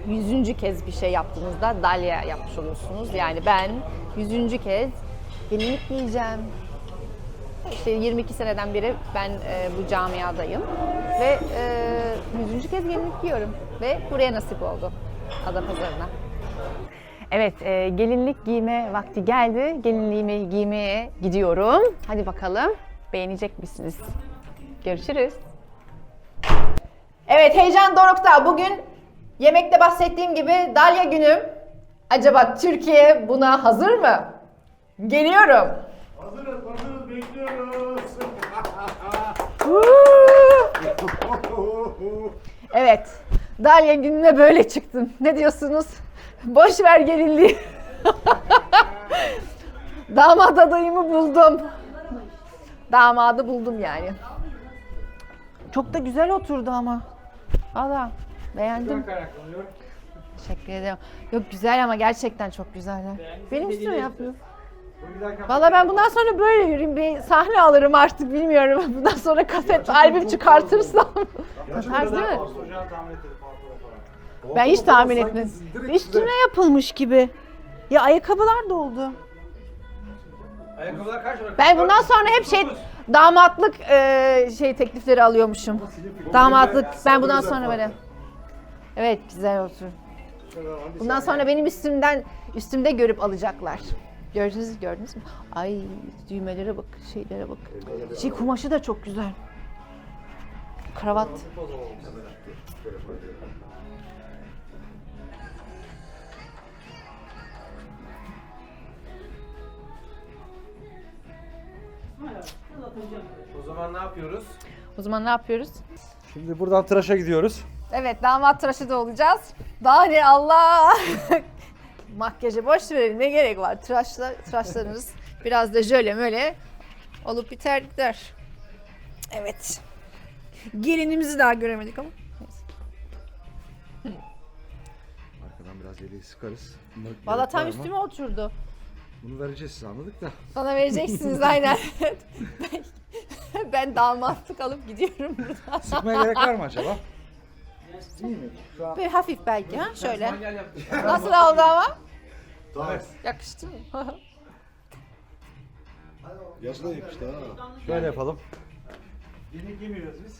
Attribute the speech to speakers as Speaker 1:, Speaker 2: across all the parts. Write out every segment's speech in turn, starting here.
Speaker 1: 100. kez bir şey yaptığınızda dalya yapmış oluyorsunuz. Yani ben 100. kez gelinlik giyeceğim. İşte 22 seneden beri ben bu camiadayım ve 100. kez gelinlik giyiyorum ve buraya nasip oldu, Adapazarı'na. Evet, gelinlik giyme vakti geldi. Gelinliğimi giymeye gidiyorum. Hadi bakalım, beğenecek misiniz? Görüşürüz. Evet, heyecan dorukta. Bugün yemekte bahsettiğim gibi Dalya günüm. Acaba Türkiye buna hazır mı? Geliyorum.
Speaker 2: Hazırız, bekliyoruz.
Speaker 1: Evet, Dalya gününe böyle çıktım. Ne diyorsunuz? Boş ver gelinliği. Damat adayımı buldum. Damadı buldum yani. Çok da güzel oturdu ama. Valla beğendim. Teşekkür ederim. Yok güzel ama gerçekten çok güzeller. Benim üstüme yapıyor. Valla ben bundan sonra böyle yürüyeyim. Bir sahne alırım artık bilmiyorum. Bundan sonra kaset, albüm çıkartırsam. Tarz değil mi? Ben hiç tahmin etmedim. Üstüne yapılmış gibi. Ya ayakkabılar da oldu.
Speaker 3: Ayakkabılar kaç para?
Speaker 1: Ben bundan sonra hep damatlık teklifleri alıyormuşum. Damatlık. Ben bundan sonra böyle. Evet güzel otur. Bundan sonra benim üstümde görüp alacaklar. Gördünüz mü? Ay düğmelere bak, şeylere bak. Kumaşı da çok güzel. Kravat. O zaman ne yapıyoruz?
Speaker 2: Şimdi buradan tıraşa gidiyoruz.
Speaker 1: Evet, damat tıraşı da olacağız. Daha ne Allah! Makyajı boş verelim, ne gerek var? Tıraşlarınız biraz da jöle möle olup biter gider. Evet. Gelinimizi daha göremedik ama.
Speaker 2: Arkadan biraz yeleği sıkarız.
Speaker 1: Valla tam üstüme oturdu.
Speaker 2: Bunu vereceğiz size, anladık da.
Speaker 1: Bana vereceksiniz aynen. Ben damatlık alıp gidiyorum buradan.
Speaker 2: Sıkmaya gerek var mı acaba?
Speaker 1: Böyle hafif belki ha şöyle. Nasıl oldu ama?
Speaker 2: Tamam.
Speaker 1: Yakıştı mı?
Speaker 2: Yazına yakıştı ha. Şöyle yapalım. Yeni giymiyoruz biz.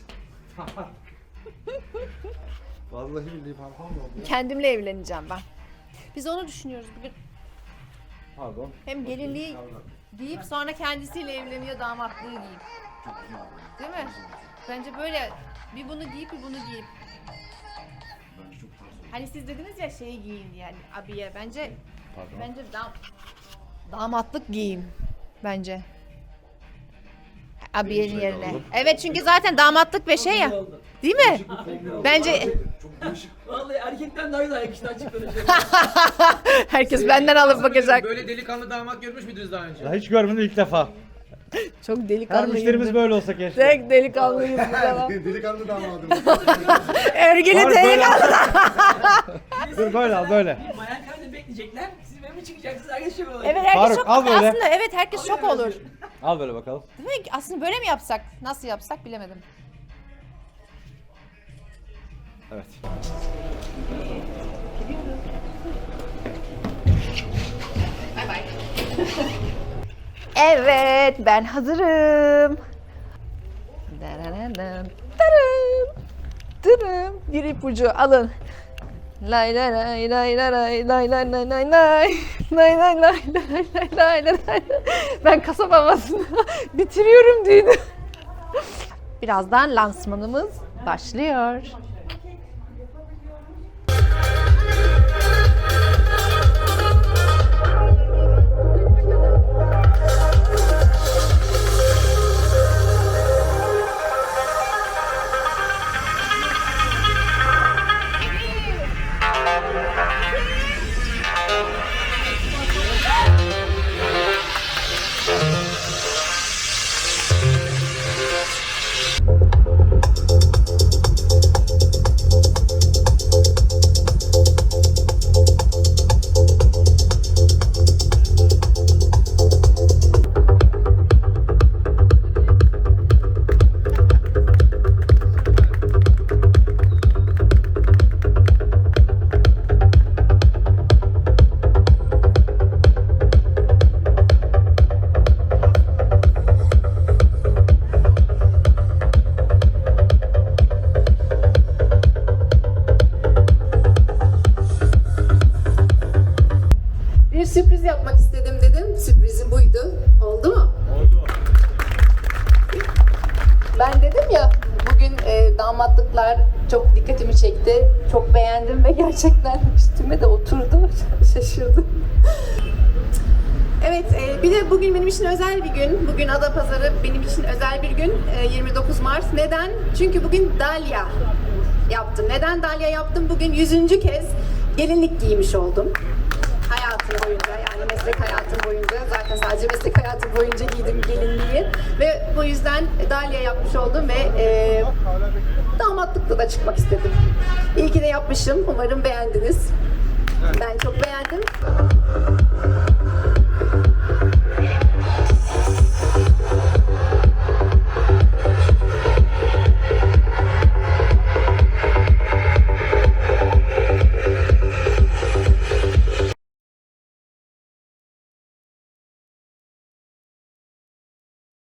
Speaker 2: Vallahi billahi pantolon oldu.
Speaker 1: Kendimle evleneceğim ben. Biz onu düşünüyoruz bugün.
Speaker 2: Pardon.
Speaker 1: Hem gelinliği giyip sonra kendisiyle evleniyor, damatlığı giyip. Değil mi? Bence böyle bir bunu giyip bir bunu giyip. Hani siz dediniz ya şeyi giyin yani abiye. Bence damatlık giyin bence. Abiyenin yerine. Evet çünkü zaten damatlık ve şey ya. Değil mi? Bence
Speaker 3: Vallahi erkekten daha güzel yakıştı açık konuşuyorum.
Speaker 1: herkes benden alıp bakacak.
Speaker 3: Böyle delikanlı damat görmüş müydünüz daha önce?
Speaker 2: Ya hiç görmedim, ilk defa.
Speaker 1: Çok
Speaker 2: Her
Speaker 1: delikanlıyım.
Speaker 2: müşterimiz böyle olsa keşke.
Speaker 1: Tek delikanlıyız bu zaman.
Speaker 4: Delikanlı damadım.
Speaker 1: Örgülü
Speaker 2: Var, böyle
Speaker 1: delikanlı.
Speaker 2: Dur böyle al böyle.
Speaker 3: Bayan kahvede bekleyecekler. Siz benim mi çıkacaksınız? Herkes şöyle olacak.
Speaker 1: Evet herkes
Speaker 2: Faruk,
Speaker 1: şok.
Speaker 2: al böyle.
Speaker 1: Aslında evet herkes şok olur.
Speaker 2: Al böyle bakalım.
Speaker 1: Değil mi? Aslında böyle mi yapsak? Nasıl yapsak bilemedim.
Speaker 2: Evet.
Speaker 1: Evet ben hazırım. Darararım, tarım, tırım. Bir ipucu alın. Lay lay lay lay lay lay lay lay lay lay lay lay lay lay lay lay lay lay. Ben kasap havasını bitiriyorum düğünü. Birazdan lansmanımız başlıyor.
Speaker 4: sürpriz yapmak istedim dedim. Sürprizim buydu. Oldu mu?
Speaker 2: Oldu.
Speaker 4: Ben dedim ya bugün damatlıklar çok dikkatimi çekti. Çok beğendim ve gerçekten üstüme de oturdu. Şaşırdım. Evet, bir de bugün benim için özel bir gün. Bugün Adapazarı benim için özel bir gün. 29 Mart. Neden? Çünkü bugün dalya yaptım. Neden dalya yaptım? Bugün 100. kez gelinlik giymiş oldum. Hayatım boyunca, yani meslek hayatım boyunca, zaten sadece meslek hayatım boyunca giydim gelinliği. Ve bu yüzden dalya yapmış oldum ve damatlıkta da çıkmak istedim. İyi ki de yapmışım. Umarım beğendiniz. Ben çok beğendim.